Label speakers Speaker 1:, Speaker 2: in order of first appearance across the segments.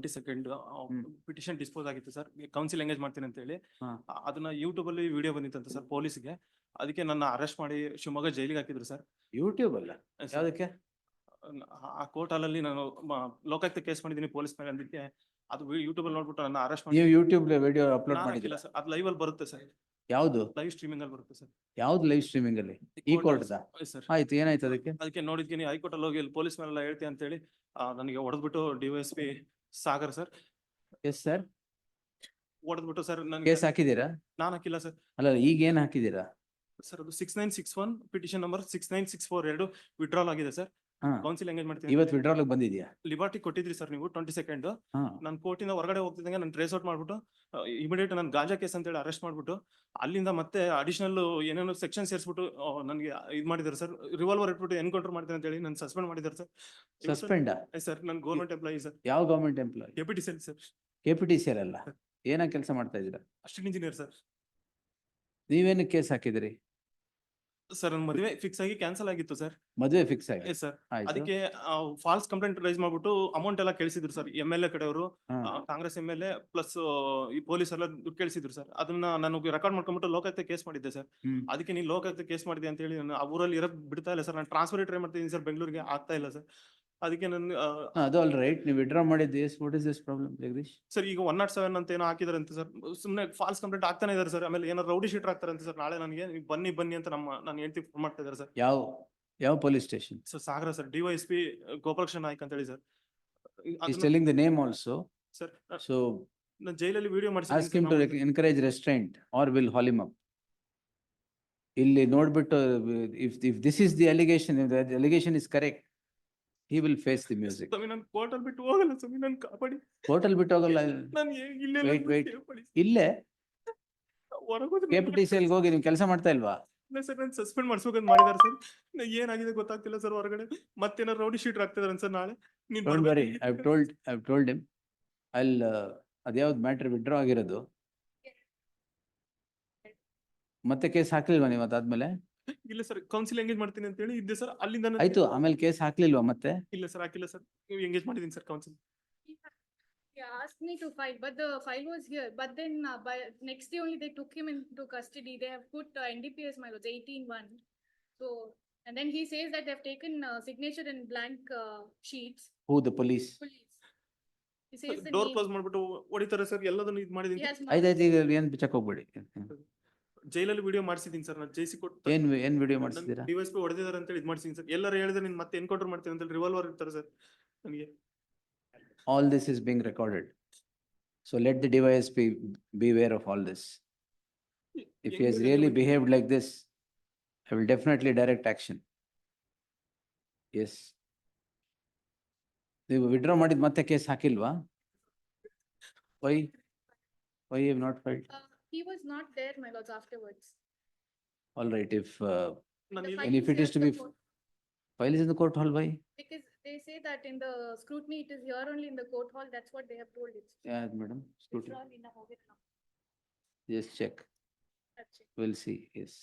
Speaker 1: 22nd petition dispose ಆಗಿತ್ತು sir, council engage ಮಾಡ್ತೀನಿ ಅಂತ ಹೇಳಿ.
Speaker 2: ಹಾ.
Speaker 1: ಅದನ್ನ ಯೂಟ್ಯೂಬ್ ಅಲ್ಲಿ ವಿಡಿಯೋ ಬಂದಿತ್ತಂತ ಸರ್ ಪೊಲೀಸ್ಗೆ. ಅದಕ್ಕೆ ನನ್ನ ಅರೆಸ್ಟ್ ಮಾಡಿ ಶಿವಮೊಗ್ಗ ಜೈಲಿಗೆ ಹಾಕಿದ್ರು ಸರ್.
Speaker 2: ಯೂಟ್ಯೂಬ್ ಅಲ್ಲ,
Speaker 1: ಸರ್,
Speaker 2: ಯಾವ್ದಕ್ಕೆ?
Speaker 1: ಆ ಕೋರ್ಟ್ ಅಲ್ಲಿ ನಾನು ಲೋಕಾಯುಕ್ತ ಕೇಸ್ ಮಾಡಿದ್ದೀನಿ ಪೊಲೀಸ್ ಮೇಲೆ. ಅದಕ್ಕೆ ಅದು ಯೂಟ್ಯೂಬ್ ಅಲ್ಲಿ ನೋಡ್ಬಿಟ್ಟು ನನ್ನ ಅರೆಸ್ಟ್
Speaker 2: ನೀವು
Speaker 1: ಮಾಡಿ.
Speaker 2: ಯೂಟ್ಯೂಬ್ ವಿಡಿಯೋ ಅಪ್ಲೋಡ್
Speaker 1: ನಾನು
Speaker 2: ಮಾಡಿದಿಲ್ಲ?
Speaker 1: ಹಾಕಿಲ್ಲ ಸರ್, ಅದು ಲೈವ್ ಅಲ್ಲಿ ಬರುತ್ತೆ ಸರ್,
Speaker 2: ಯಾವ್ದು
Speaker 1: ಲೈವ್ ಸ್ಟ್ರೀಮಿಂಗ್ ಅಲ್ಲಿ ಬರುತ್ತೆ ಸರ್.
Speaker 2: ಯಾವ್ದು ಲೈವ್ ಸ್ಟ್ರೀಮಿಂಗ್ ಅಲ್ಲಿ? ಈ ಕೋರ್ಟ್
Speaker 1: ಸರ್.
Speaker 2: ಆಯ್ತು, ಏನಾಯ್ತು ಅದಕ್ಕೆ?
Speaker 1: ಅದಕ್ಕೆ ನೋಡಿದ್ತೀನಿ ಹೈಕೋರ್ಟ್ ಅಲ್ಲಿ ಹೋಗಿ ಇಲ್ಲಿ ಪೊಲೀಸ್ ಮೇಲೆಲ್ಲ ಹೇಳ್ತೀನಿ ಅಂತ ಹೇಳಿ ನನಗೆ ಹೊಡೆದ್ಬಿಟ್ಟು DYSP Sagar sir
Speaker 2: yes sir,
Speaker 1: ಹೊಡೆದ್ಬಿಟ್ಟು ಸರ್ ನನಗೆ.
Speaker 2: ಕೇಸ್ ಹಾಕಿದೀರಾ?
Speaker 1: ನಾನು ಹಾಕಿಲ್ಲ ಸರ್.
Speaker 2: ಅಲ್ಲ, ಈಗ ಏನ್ ಹಾಕಿದೀರಾ?
Speaker 1: ಸರ್ ಅದು 6961 ಪಿಟಿಷನ್ ನಂಬರ್ 6964 ಎರಡು ವಿಡ್ರಾಲ್ ಆಗಿದೆ ಸರ್.
Speaker 2: ಹಾ,
Speaker 1: ಕೌನ್ಸಿಲ್ ಎಂಗೇಜ್ ಮಾಡ್ತೀನಿ.
Speaker 2: ಇವತ್ತು ವಿಡ್ರಾಲ್ ಬಂದಿದ್ಯಾ?
Speaker 1: ಲಿಬರ್ಟಿ ಕೊಟ್ಟಿದ್ರಿ ಸರ್ ನೀವು 22nd.
Speaker 2: ಹಾ,
Speaker 1: ನಾನು ಕೋರ್ಟಿಂದ ಹೊರಗಡೆ ಹೋಗ್ತಿದ್ದಂಗೆ ನಾನು ಟ್ರೇಸ್ ಔಟ್ ಮಾಡ್ಬಿಟ್ಟು ಇಮಿಡಿಯೇಟ್ ನಾನು ಗಾಂಜಾ ಕೇಸ್ ಅಂತ ಹೇಳಿ ಅರೆಸ್ಟ್ ಮಾಡ್ಬಿಟ್ಟು ಅಲ್ಲಿಂದ ಮತ್ತೆ ಅಡಿಷನಲ್ ಏನೇನೋ ಸೆಕ್ಷನ್ ಸೇರಿಸ್ಬಿಟ್ಟು ನನಗೆ ಇದು ಮಾಡಿದ್ದಾರೆ ಸರ್. ರಿವಾಲ್ವರ್ ಇಟ್ಬಿಟ್ಟು ಎನ್ಕೌಂಟರ್ ಮಾಡ್ತೀನಿ ಅಂತ ಹೇಳಿ ನಾನು ಸಸ್ಪೆಂಡ್ ಮಾಡಿದ್ದಾರೆ ಸರ್.
Speaker 2: ಸಸ್ಪೆಂಡ್?
Speaker 1: ಸರ್ ನಾನು ಗೌರ್ಮೆಂಟ್ ಎಂಪ್ಲಾಯಿ ಸರ್.
Speaker 2: ಯಾವ ಗವರ್ಮೆಂಟ್ ಎಂಪ್ಲಾಯ್?
Speaker 1: KPTCL ಸರ್.
Speaker 2: KPTCL ಅಲ್ಲ, ಏನ ಕೆಲಸ ಮಾಡ್ತಾ ಇದ್ದೀರಾ?
Speaker 1: Assistant engineer sir.
Speaker 2: ನೀವೇನು ಕೇಸ್ ಹಾಕಿದಿರಿ?
Speaker 1: ಸರ್ ನನ್ನ ಮದುವೆ ಫಿಕ್ಸ್ ಆಗಿ ಕ್ಯಾನ್ಸಲ್ ಆಗಿತ್ತು ಸರ್.
Speaker 2: ಮದುವೆ ಫಿಕ್ಸ್ ಆಗಿ?
Speaker 1: Yes sir.
Speaker 2: ಆಯ್ತು.
Speaker 1: ಅದಕ್ಕೆ ಫಾಲ್ಸ್ ಕಂಪ್ಲೇಂಟ್ ರೈಸ್ ಮಾಡ್ಬಿಟ್ಟು ಅಮೌಂಟ್ ಎಲ್ಲ ಕೇಳಿಸಿದ್ರು ಸರ್. MLA ಕಡೆಯವರು,
Speaker 2: ಹಾ.
Speaker 1: ಕಾಂಗ್ರೆಸ್ MLA ಪ್ಲಸ್ ಈ ಪೊಲೀಸ್ ಎಲ್ಲ ದುಡ್ಡು ಕೇಳಿಸಿದ್ರು ಸರ್. ಅದನ್ನ ನಾನು ರೆಕಾರ್ಡ್ ಮಾಡ್ಕೊಂಡ್ಬಿಟ್ಟು ಲೋಕಾಯುಕ್ತ ಕೇಸ್ ಮಾಡಿದ್ದೆ ಸರ್. ಅದಕ್ಕೆ ನೀನು ಲೋಕಾಯುಕ್ತ ಕೇಸ್ ಮಾಡಿದೆ ಅಂತ ಹೇಳಿ ನಾನು ಆ ಊರಲ್ಲಿ ಇರಕ್ ಬಿಡ್ತಾ ಇಲ್ಲ ಸರ್. ನಾನು ಟ್ರಾನ್ಸ್ಫರ್ ಟ್ರೈ ಮಾಡ್ತಿದ್ದೀನಿ ಸರ್, ಬೆಂಗಳೂರಿಗೆ ಆಗ್ತಾ ಇಲ್ಲ ಸರ್. ಅದಕ್ಕೆ ನಾನು
Speaker 2: ಅದು ಆಲ್ ರೈಟ್, ನೀವು ವಿಡ್ರಾ ಮಾಡಿದ್ದು what is this problem Jagadish?
Speaker 1: Sir ಈಗ 107 ಅಂತ ಏನೋ ಹಾಕಿದಾರೆ ಅಂತ ಸರ್. ಸುಮ್ಮನೆ ಫಾಲ್ಸ್ ಕಂಪ್ಲೇಂಟ್ ಆಗ್ತಾನೆ ಇದಾರೆ ಸರ್. ಆಮೇಲೆ ಏನೋ ರೌಡಿ ಶೀಟರ್ ಆಗ್ತಾರೆ ಅಂತ ಸರ್. ನಾಳೆ ನನಗೆ ನೀವು ಬನ್ನಿ ಅಂತ ನಾನು ಹೇಳ್ತಿ ಫೋನ್ ಮಾಡ್ತಾ ಇದ್ದಾರೆ ಸರ್.
Speaker 2: ಯಾವ police station?
Speaker 1: Sir Sagara sir, DYSP Gopalakrishna Naik ಅಂತ ಹೇಳಿ sir.
Speaker 2: He's telling the name also.
Speaker 1: Sir
Speaker 2: So
Speaker 1: ನಾನು ಜೈಲಲ್ಲಿ video
Speaker 2: ask him to encourage restraint or will haul him up. ಇಲ್ಲಿ ನೋಡ್ಬಿಟ್ಟು if this is the allegation, if the allegation is correct, he will face the music.
Speaker 1: ನಾನು court ಅಲ್ಲಿ ಬಿಟ್ಟು ಹೋಗಲ್ಲ ಸ್ವಾಮಿ, ನಾನು ಕಾಪಾಡಿ.
Speaker 2: ಕೋರ್ಟ್ ಅಲ್ಲಿ ಬಿಟ್ಟು ಹೋಗಲ್ಲ.
Speaker 1: ನಾನು ಇಲ್ಲೇ
Speaker 2: Wait. ಇಲ್ಲೇ
Speaker 1: ಹೊರಗೋದ್ರೆ
Speaker 2: KPTCL ಹೋಗಿ ನೀವು ಕೆಲಸ ಮಾಡ್ತಾ ಇಲ್ವಾ?
Speaker 1: ಸರ್ ನಾನು ಸಸ್ಪೆಂಡ್ ಮಾಡಿಸ್ಬೇಕಂತ ಮಾಡಿದಾರೆ ಸರ್. ಏನಾಗಿದೆ ಗೊತ್ತಾಗ್ತಿಲ್ಲ ಸರ್. ಹೊರಗಡೆ ಮತ್ತೇನಾರು ರೌಡಿ ಶೀಟರ್ ಆಗ್ತಿದಾರೆ ಸರ್. ನಾಳೆ ನೀನ್
Speaker 2: Don't worry, I've told him. ಅದ್ಯಾವ್ದು ಮ್ಯಾಟ್ರ್ ವಿಡ್ರಾ ಆಗಿರೋದು? ಮತ್ತೆ ಕೇಸ್ ಹಾಕ್ಲಿಲ್ವಾ ನೀವು ಅದಾದ್ಮೇಲೆ?
Speaker 1: ಇಲ್ಲ ಸರ್, ಕೌನ್ಸಿಲ್ ಎಂಗೇಜ್ ಮಾಡ್ತೀನಿ ಅಂತ ಹೇಳಿ ಇದ್ದೆ ಸರ್. ಅಲ್ಲಿಂದ
Speaker 2: ಆಯ್ತು, ಆಮೇಲೆ ಕೇಸ್ ಹಾಕ್ಲಿಲ್ವಾ ಮತ್ತೆ?
Speaker 1: ಇಲ್ಲ ಸರ್, ಹಾಕಿಲ್ಲ ಸರ್. ನೀವು ಎಂಗೇಜ್ ಮಾಡಿದೀನಿ sir council.
Speaker 3: He asked me to file, but the file was here. But then by next day only they took him into custody. They have put NDPS my lords 18-1. So and then he says that they have taken signature in blank sheets.
Speaker 2: Who, the police?
Speaker 3: He says the
Speaker 1: door
Speaker 3: name.
Speaker 1: Close ಮಾಡ್ಬಿಟ್ಟು ಹೊಡಿತಾರೆ sir. ಎಲ್ಲದನ್ನು ಇದು ಮಾಡಿದೀನಿ.
Speaker 3: He has
Speaker 2: ಆಯ್ತಾಯ್ತು, ಈಗ ಏನ್ ಬಿಚ್ಚಕ್ ಹೋಗ್ಬೇಡಿ.
Speaker 1: ಜೈಲಲ್ಲಿ ವಿಡಿಯೋ ಮಾಡಿಸಿದೀನಿ ಸರ್. ನಾನು ಜೈಸಿ ಕೊಟ್ಟು
Speaker 2: ಏನ್ ವಿಡಿಯೋ ಮಾಡಿಸಿದೀರಾ?
Speaker 1: DYSP ಹೊಡೆದಿದ್ದಾರೆ ಅಂತ ಹೇಳಿ ಇದು ಮಾಡಿಸಿದೀನಿ ಸರ್. ಎಲ್ಲರೂ ಹೇಳಿದ್ರೆ ನೀನ್ ಮತ್ತೆ ಎನ್ಕೌಂಟರ್ ಮಾಡ್ತೀನಿ ಅಂತ ಹೇಳಿ ರಿವಾಲ್ವರ್ ಇರ್ತಾರೆ ಸರ್ ನನಗೆ.
Speaker 2: All this is being recorded. So let the DYSP beware of all this. If he has really behaved like this, I will definitely direct action. Yes. ನೀವು ವಿಡ್ರಾ ಮಾಡಿದ ಮತ್ತೆ ಕೇಸ್ ಹಾಕಿಲ್ವಾ? Why you have not filed?
Speaker 3: he was not there my lords afterwards.
Speaker 2: All right, if
Speaker 1: ನಾನು
Speaker 3: The
Speaker 1: ಇಲ್ಲ-
Speaker 3: file
Speaker 2: and if it
Speaker 3: here
Speaker 2: is to
Speaker 3: in
Speaker 2: be
Speaker 3: the court.
Speaker 2: file is in the court hall, why?
Speaker 3: Because they say that in the scrutiny it is here only in the court hall. That's what they have told it.
Speaker 2: Yeah, madam, scrutiny.
Speaker 3: Withdrawal in a hogan.
Speaker 2: Just check.
Speaker 3: That's it.
Speaker 2: We'll see, yes.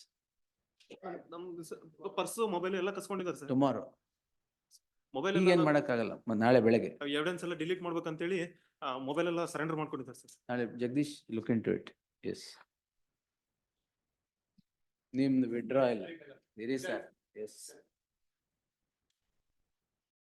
Speaker 1: ನಮ್ದು purse mobile ಎಲ್ಲ ಕಸ್ಕೊಂಡಿದ್ದಾರೆ sir.
Speaker 2: Tomorrow.
Speaker 1: Mobile
Speaker 2: ಈಗ ಏನ್ ಮಾಡಕ್ಕಾಗಲ್ಲ, ನಾಳೆ ಬೆಳಗ್ಗೆ.
Speaker 1: Evidence ಎಲ್ಲ delete ಮಾಡ್ಬೇಕಂತೇಳಿ ಮೊಬೈಲ್ ಎಲ್ಲ ಸರೆಂಡರ್ ಮಾಡ್ಕೊಂಡಿದ್ದಾರೆ ಸರ್.
Speaker 2: ನಾಳೆ Jagadish look into it. Yes. ನಿಮ್ದು ವಿಡ್ರಾ ಇಲ್ಲ ಇರಿ ಸರ್. ಎಸ್